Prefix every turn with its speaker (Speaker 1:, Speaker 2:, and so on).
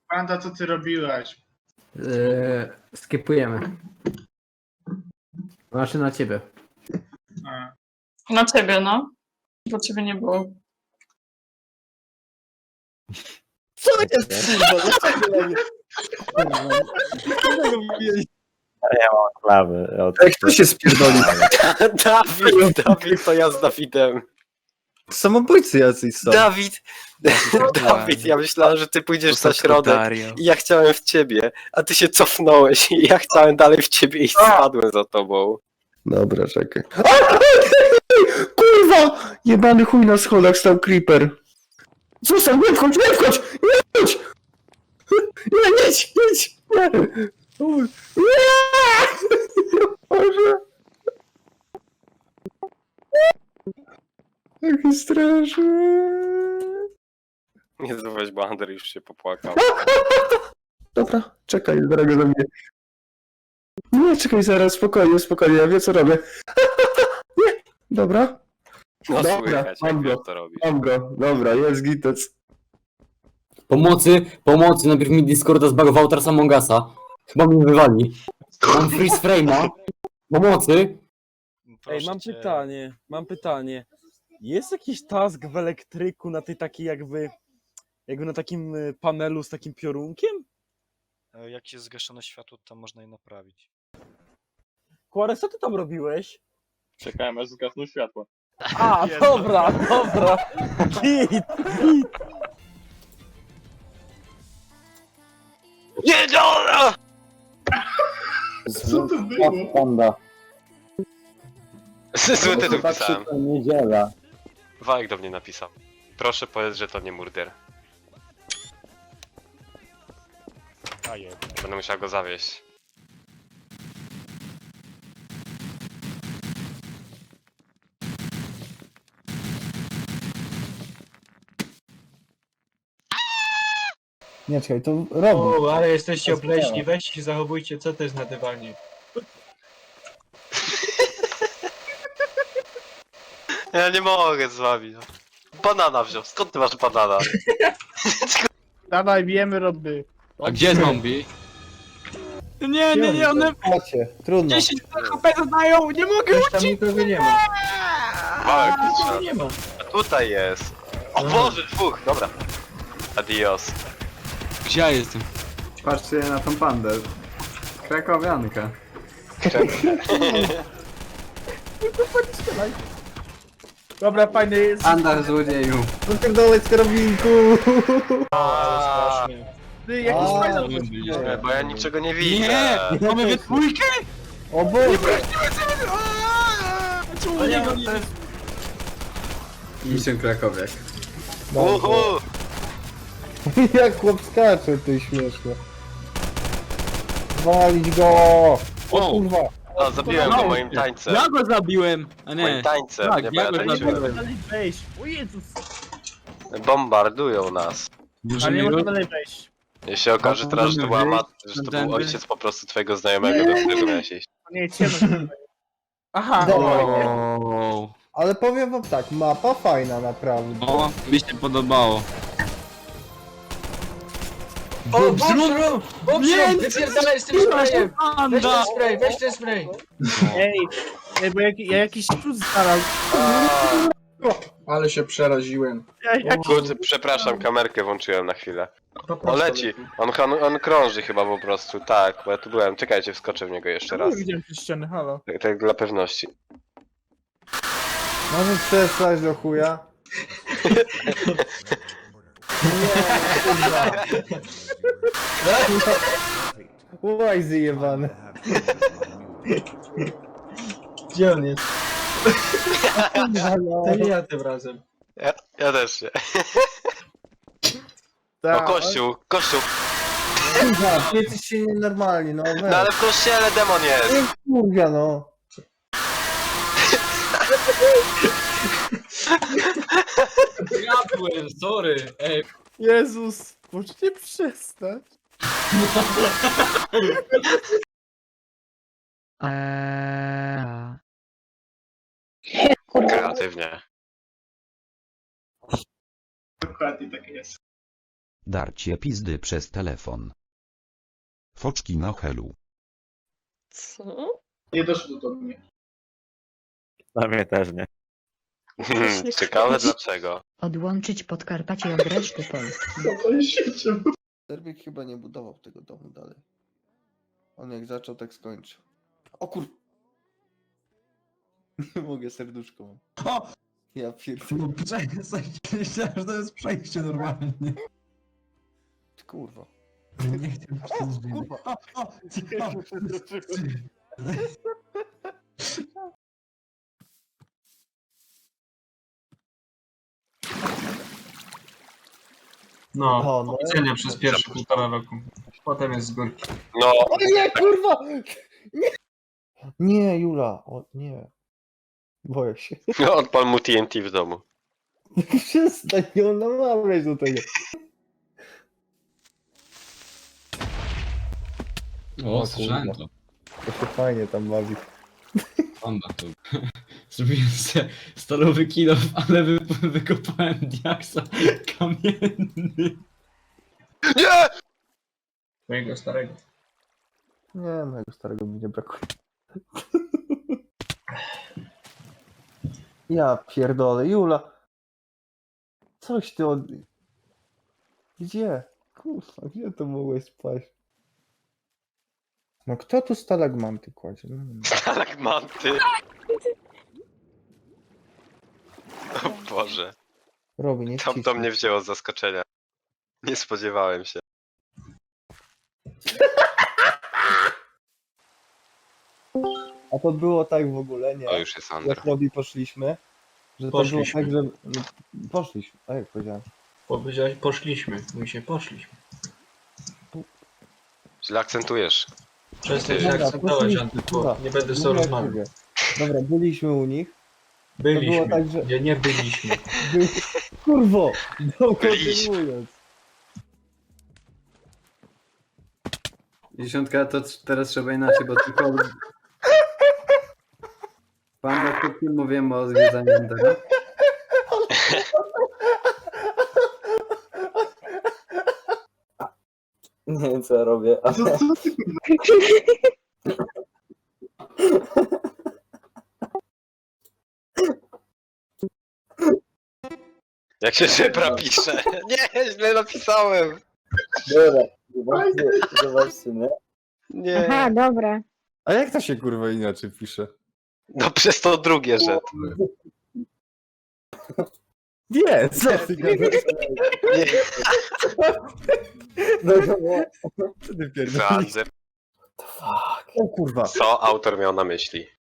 Speaker 1: Panda, co ty robiłeś?
Speaker 2: Skipujemy. Znaczy na ciebie.
Speaker 1: A.
Speaker 3: Na ciebie, no. Bo ciebie nie było.
Speaker 4: Co jest kurwa? Dlaczego ja nie... Dlaczego mówiłeś?
Speaker 5: Klawy.
Speaker 4: Ej, kto się spierdolił?
Speaker 6: Dawid, to ja z Dawidem.
Speaker 4: Samobójcy jacyś są.
Speaker 6: Dawid, ja myślałem, że ty pójdziesz na środek i ja chciałem w ciebie, a ty się cofnąłeś i ja chciałem dalej w ciebie i spadłem za tobą.
Speaker 4: Dobra, czekaj. Kurwa! Jebany chuj na schodach stał creeper. Zostań, nie wchodź, nie wchodź! Nie wchodź! Nie, jedź, jedź! Nie! Nie! Boże! Jaki straszny.
Speaker 6: Nie weź, bo Ander już się popłakał.
Speaker 4: Dobra, czekaj, drogo do mnie. Nie, czekaj zaraz, spokojnie, spokojnie, ja wiem co robię. Nie, dobra.
Speaker 6: No
Speaker 4: Dobra,
Speaker 6: słychać,
Speaker 4: mam
Speaker 6: jak
Speaker 4: go.
Speaker 6: wiesz, to robisz.
Speaker 4: Mam go, dobra, jest gitec.
Speaker 2: Pomocy, najpierw mi Discorda zbagował, teraz Among Usa. Chyba mnie wywali. Mam freeze frame'a. Pomocy.
Speaker 7: Ej, mam pytanie. Jest jakiś task w elektryku na tej takiej jakby na takim panelu z takim piorunkiem?
Speaker 8: Jak jest zgaszone światło, to można je naprawić.
Speaker 7: Kłarek, co ty tam robiłeś?
Speaker 5: Czekałem aż zgasną światła.
Speaker 7: A, dobra. Git.
Speaker 6: Nie, dobra!
Speaker 1: Co to było?
Speaker 5: Panda.
Speaker 6: Zły tytuł pisałem.
Speaker 5: Niedziela.
Speaker 6: Wajek do mnie napisał. Proszę powiedz, że to nie murder. Będę musiał go zawieść.
Speaker 5: Nie, czekaj, to robi.
Speaker 9: O, ale jesteście obleśni, weźcie się zachowujcie, co to jest na dywanie?
Speaker 6: Ja nie mogę z wami. No. Banana wziął. Skąd ty masz banana?
Speaker 1: Dawaj, wiemy, Robby.
Speaker 2: A gdzie zombie?
Speaker 9: Nie, one
Speaker 5: Macie, trudno.
Speaker 9: 10 HP zadają, nie mogę
Speaker 1: Już tam nikogo nie ma.
Speaker 6: Wałek,
Speaker 9: nie ma.
Speaker 6: a tutaj jest. O Boże, dwóch, dobra. Adios.
Speaker 2: Gdzie ja jestem?
Speaker 10: Patrzcie na tą pandę. Krakowianka.
Speaker 1: Dobra, fajny jest.
Speaker 10: Panda złodzieju.
Speaker 4: Wypierdolę z karabinku.
Speaker 9: Strasznie.
Speaker 1: Ty, jakiś
Speaker 4: A,
Speaker 1: fajny.
Speaker 6: Nie, bo ja niczego nie widzę.
Speaker 2: Mamy we dwójkę?
Speaker 4: O Boże!
Speaker 9: Czemu nie go nie...
Speaker 10: Mission Krakowiak.
Speaker 6: Uhu!
Speaker 4: Jak chłop skacze, ty śmieszne. Walić go! O kurwa!
Speaker 6: No, zabiłem go moim tańcem.
Speaker 2: Ja go zabiłem, a
Speaker 6: Moim
Speaker 2: nie.
Speaker 6: tańcem,
Speaker 2: Tak,
Speaker 6: nie, bo
Speaker 2: ja
Speaker 6: ja
Speaker 2: go
Speaker 6: tańczyłem.
Speaker 2: zabiłem.
Speaker 1: Dalej wejść. O Jezus.
Speaker 6: Bombardują nas.
Speaker 1: Ale nie można dalej wejść.
Speaker 6: Jeśli okaże teraz, że to była że to był ojciec po prostu twojego znajomego, do którego miałeś iść.
Speaker 1: To nie jest ciemno. Aha.
Speaker 2: O,
Speaker 4: Ale powiem wam tak, mapa fajna naprawdę.
Speaker 2: o, mi się podobało.
Speaker 9: O, bum,
Speaker 2: Nie,
Speaker 9: wypierdalaj z tym sprayem! Weź ten
Speaker 2: Panda!
Speaker 9: spray, weź ten spray!
Speaker 1: Ej, bo ja jakiś cud znalazł.
Speaker 9: Ale się przeraziłem.
Speaker 6: Kurde, przepraszam, kamerkę włączyłem na chwilę. O, leci. On krąży chyba po prostu, tak, bo ja tu byłem. Czekajcie, wskoczę w niego jeszcze raz.
Speaker 1: Widziałem przez ściany, halo.
Speaker 6: Tak dla pewności.
Speaker 4: Możesz przestać do chuja? Nie, Łaj zjebany.
Speaker 9: Gdzie on jest?
Speaker 4: Halo.
Speaker 9: To nie ja tym razem.
Speaker 6: Ja też nie. O,
Speaker 1: Tak.
Speaker 6: kościół, kościół.
Speaker 4: Kurwa, ty jesteś się nienormalni, no
Speaker 6: No ale w kościele demon jest.
Speaker 4: Kurwa, no.
Speaker 2: Zgadłem, sorry. Ej,
Speaker 1: Jezus, możecie przestać?
Speaker 6: Kreatywnie.
Speaker 1: Dokładnie tak jest.
Speaker 11: Darcie pizdy przez telefon. Foczki na helu.
Speaker 3: Co?
Speaker 9: Nie doszło do mnie.
Speaker 5: Na mnie też nie.
Speaker 6: Ciekawe dlaczego.
Speaker 12: Odłączyć Podkarpacie od reszty Polski.
Speaker 4: Serbik chyba nie budował tego domu dalej. On jak zaczął, tak skończył. O kur... Nie mogę, serduszko mam.
Speaker 5: O!
Speaker 4: Ja pierdolę.
Speaker 5: Myślałem, że to jest przejście normalnie.
Speaker 4: Kurwa.
Speaker 5: Nie chciałem
Speaker 9: No,
Speaker 5: O, no.
Speaker 9: oficjalnie przez pierwsze 1,5 roku. Potem jest z górki.
Speaker 6: No,
Speaker 4: O nie, kurwa! Nie, nie Jula, o nie. Boję się.
Speaker 6: odpal mu TNT w domu.
Speaker 4: Przestań ją namawiać do tego.
Speaker 2: O,
Speaker 4: O,
Speaker 2: słyszałem
Speaker 4: kurwa.
Speaker 2: to.
Speaker 4: To się fajnie tam bawi.
Speaker 2: Panda to. Zrobiłem sobie stalowy kilof, ale wykopałem diaksa kamienny.
Speaker 6: Nie!
Speaker 9: Twojego starego.
Speaker 4: Nie, mojego starego mi nie brakuje. Ja pierdolę, Jula. Coś ty od... Gdzie? Kurwa, gdzie to mogłeś spać? No kto tu stalagmanty kładzie? No,
Speaker 6: Stalagmanty. O Boże.
Speaker 4: Robi, nie
Speaker 6: Tam to
Speaker 4: wcisnij.
Speaker 6: mnie wzięło z zaskoczenia. Nie spodziewałem się.
Speaker 4: A to było tak w ogóle, nie?
Speaker 6: To już jest Andra.
Speaker 4: Jak Robi poszliśmy, że to było
Speaker 9: Poszliśmy.
Speaker 4: tak, że... No, poszliśmy, tak jak powiedziałem.
Speaker 9: Powiedziałeś, poszliśmy. Mówi się, poszliśmy.
Speaker 6: Źle akcentujesz.
Speaker 9: Przestań się
Speaker 4: Dobra,
Speaker 9: akcentować,
Speaker 4: poszliśmy,
Speaker 9: Antyku.
Speaker 4: kurwa.
Speaker 9: Nie będę z
Speaker 4: Mówię
Speaker 9: tobą
Speaker 4: jak
Speaker 9: rozmawiał.
Speaker 4: mówię. Dobra, byliśmy u nich.
Speaker 9: Byliśmy.
Speaker 4: To było tak, że-
Speaker 9: Nie byliśmy.
Speaker 4: Kurwo! No,
Speaker 6: Byliśmy.
Speaker 4: kontynuując.
Speaker 10: Dziesiątka to teraz trzeba inaczej, bo tylko... Panda, przed chwilą mówiłem o zwiedzaniu Endera.
Speaker 2: Nie wiem co ja robię, ale...
Speaker 6: Jak się żebra pisze. Nie, źle napisałem.
Speaker 2: Dobra, zobaczcie, nie?
Speaker 6: Nie.
Speaker 12: dobra.
Speaker 4: A jak to się kurwa inaczej pisze?
Speaker 6: No przez to drugie, że...
Speaker 4: Nie, co ty gadasz?
Speaker 6: Nie,
Speaker 2: No to było...
Speaker 4: Co ty pierdolisz?
Speaker 6: Zanzer.
Speaker 4: O kurwa.
Speaker 6: Co autor miał na myśli?